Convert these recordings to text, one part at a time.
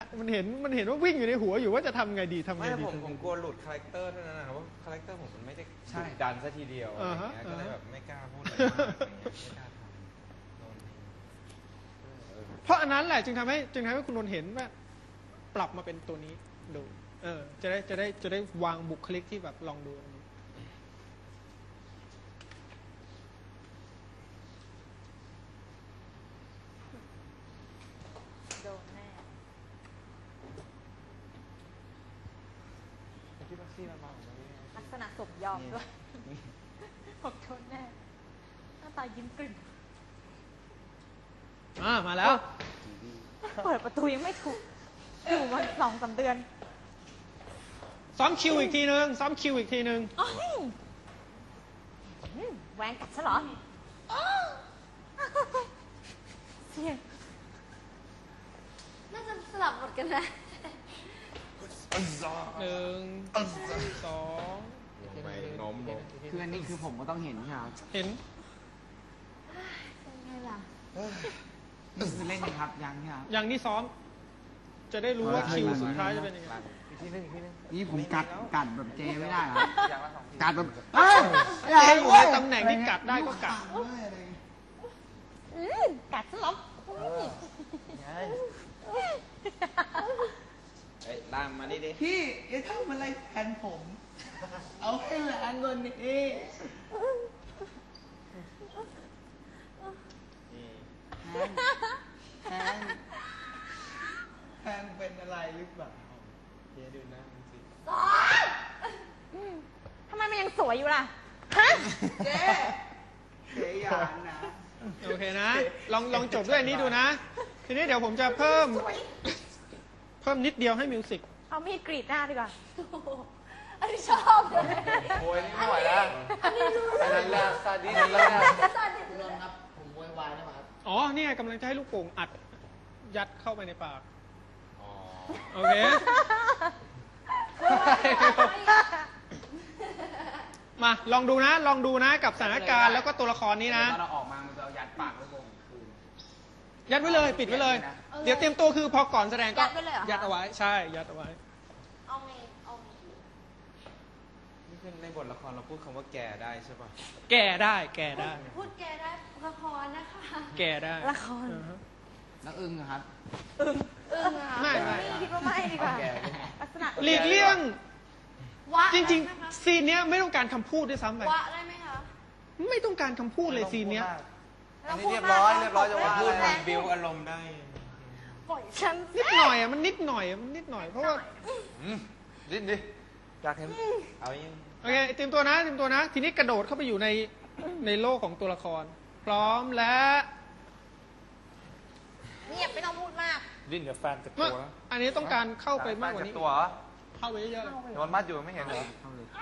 มันเห็นว่าวิ่งอยู่ในหัวอยู่ว่าจะทำไงดีไม่ผมกลัวหลุดคาแรคเตอร์เท่านั้นนะครับว่าคาแรคเตอร์ผมมันไม่ได้ดุดันซะทีเดียวอะไรเงี้ยก็เลยแบบไม่กล้าพูดอะไรมากไม่กล้าทำเพราะอันนั้นแหละจึงทำให้คุณนนท์เห็นว่าปรับมาเป็นตัวนี้ดูจะได้วางบุคลิกที่แบบลองดูโดนแน่ลักษณะสมยอมด้วยบอกโดนแน่หน้าตายิ้มกลิ่นมาแล้วเปิดประตูยังไม่ถูกอยู่มา2-3 เดือนซ้อมคิวอีกทีนึงแหวงกัดซะเหรอเสียงน่าจะสลับหมดกันนะ 1 2 คืออันนี้คือผมก็ต้องเห็นใช่ไหมเห็นเป็นไงล่ะคือเล่นครับยังใช่ไหมยังนี่ซ้อมจะได้รู้ว่าคิวสุดท้ายจะเป็นยังไงนี่ผมกัดแบบเจไม่ได้ครับกัดแบบเจอยู่ในตำแหน่งที่กัดได้ก็กัดกัดซะเหรอล่ามมาดิพี่อย่าทำอะไรแทนผมเอาให้แรงกว่านี้แทนเป็นอะไรหรือเปล่าเจ๊ดูหน้ามันสิทำไมมันยังสวยอยู่ล่ะฮะเจ๊ยานนะโอเคนะลองจบด้วยอันนี้ดูนะทีนี้เดี๋ยวผมจะเพิ่มนิดเดียวให้มิวสิกเอามีดกรีดหน้าดีกว่าอันนี้ชอบเลยโอ้ยนี่ไม่ไหวแล้วอันนี้แหละซาดิสแล้วคุณนนท์ครับผมโวยวายนะครับอ๋อเนี่ยกำลังจะให้ลูกโป่งอัดยัดเข้าไปในปากโอเคมาลองดูนะกับสถานการณ์แล้วก็ตัวละครนี้นะตอนเราออกมามันจะยัดปากไว้บนคืนยัดไว้เลยปิดไว้เลยเดี๋ยวเตรียมตัวคือพอก่อนแสดงก็ยัดเอาไว้ใช่ยัดเอาไว้นี่คือในบทละครเราพูดคำว่าแก่ได้ใช่ป่ะแก่ได้พูดแก่ได้ละครนะคะแก่ได้ละครแล้วอึ้งครับไม่คิดว่าไม่ดีกว่าลักษณะหลีกเลี่ยงจริงๆซีนเนี้ยไม่ต้องการคำพูดด้วยซ้ำไปวะได้ไหมคะไม่ต้องการคำพูดเลยซีนเนี้ยอันนี้เรียบร้อยจะว่าพูดมันบิวอารมณ์ได้ปล่อยฉันนิดหน่อยมันนิดหน่อยเพราะว่าดิ้นดิอยากเห็นเอายังโอเคเตรียมตัวนะทีนี้กระโดดเข้าไปอยู่ในโลกของตัวละครพร้อมและเงียบไม่ต้องพูดมากดิ้นเดี๋ยวแฟนจะกลัวอันนี้ต้องการเข้าไปมากกว่านี้ตัวเข้าไปเยอะๆโดนมัดอยู่ไม่เห็นเหรอ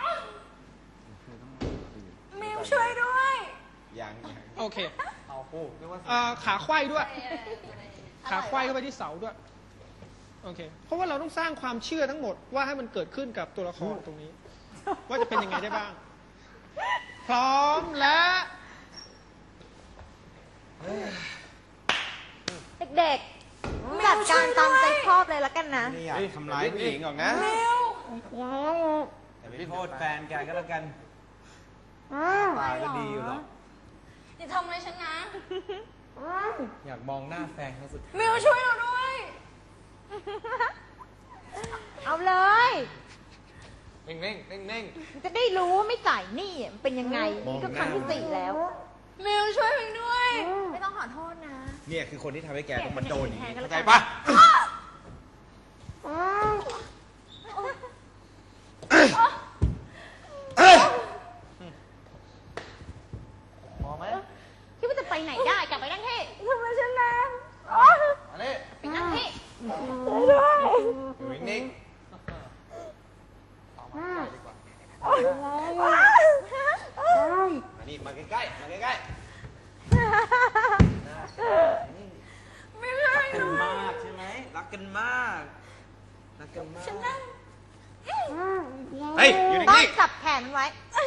มิวช่วยด้วยยังโอเคเอาคู่ขาไขว้ด้วยขาไขว้เข้าไปที่เสาด้วยโอเคเพราะว่าเราต้องสร้างความเชื่อทั้งหมดว่าให้มันเกิดขึ้นกับตัวละครตรงนี้ว่าจะเป็นยังไงได้บ้างพร้อมและเด็กๆจัดการตามใจชอบเลยละกันนะไม่อยากทำร้ายผู้หญิงหรอกนะแต่ไม่โทษแฟนแกก็แล้วกันตาก็ดีอยู่หรอกอย่าทำอะไรฉันนะอยากมองหน้าแฟนครั้งสุดท้ายมิวช่วยเราด้วยเอาเลยนิ่งจะได้รู้ว่าไม่จ่ายหนี้มันเป็นยังไงนี่ก็ครั้งที่4แล้วมิวช่วยมิวด้วยไม่ต้องขอโทษนะเนี่ยคือคนที่ทำให้แกต้องมาโดนอย่างนี้เข้าใจปะมองไหมคิดว่าจะไปไหนได้กลับไปนั่งที่ทำไมฉันนะอันนี้ไปนั่งที่อยู่นิ่งมานี่มาใกล้ๆไม่ใช่รักกันมากใช่ไหมรักกันมากฉันนั่งเฮ้ยอยู่นิ่งๆต้องจับแขนไว้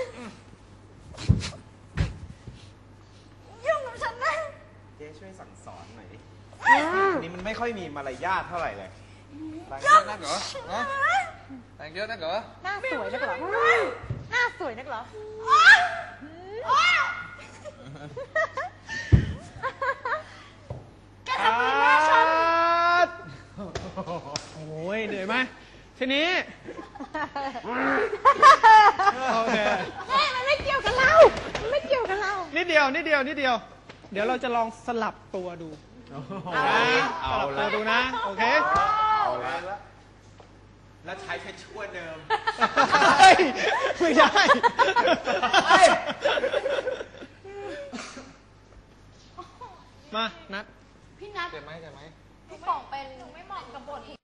ยุ่งกับฉันนะเจ๊ช่วยสั่งสอนหน่อยดินี่มันไม่ค่อยมีมารยาทเท่าไหร่เลยแต่งเยอะนักเหรอฮะแต่งเยอะนักเหรอหน้าสวยนักเหรอ หน้าสวยนักเหรอแกทำอะไรแม่ฉันโอ้ยเหนื่อยไหมทีนี้ โอเคแม่มันไม่เกี่ยวกับเรา มันไม่เกี่ยวกับเรานิดเดียว เดี๋ยวเราจะลองสลับตัวดูเอาละสลับตัวดูนะ โอเคเอาละแล้วใช้ชั่วเดิมเฮ้ยไม่ได้ มา นัดพี่นัทเจ็บไหมพี่ป๋องเป็นหนูไม่เหมาะกับบท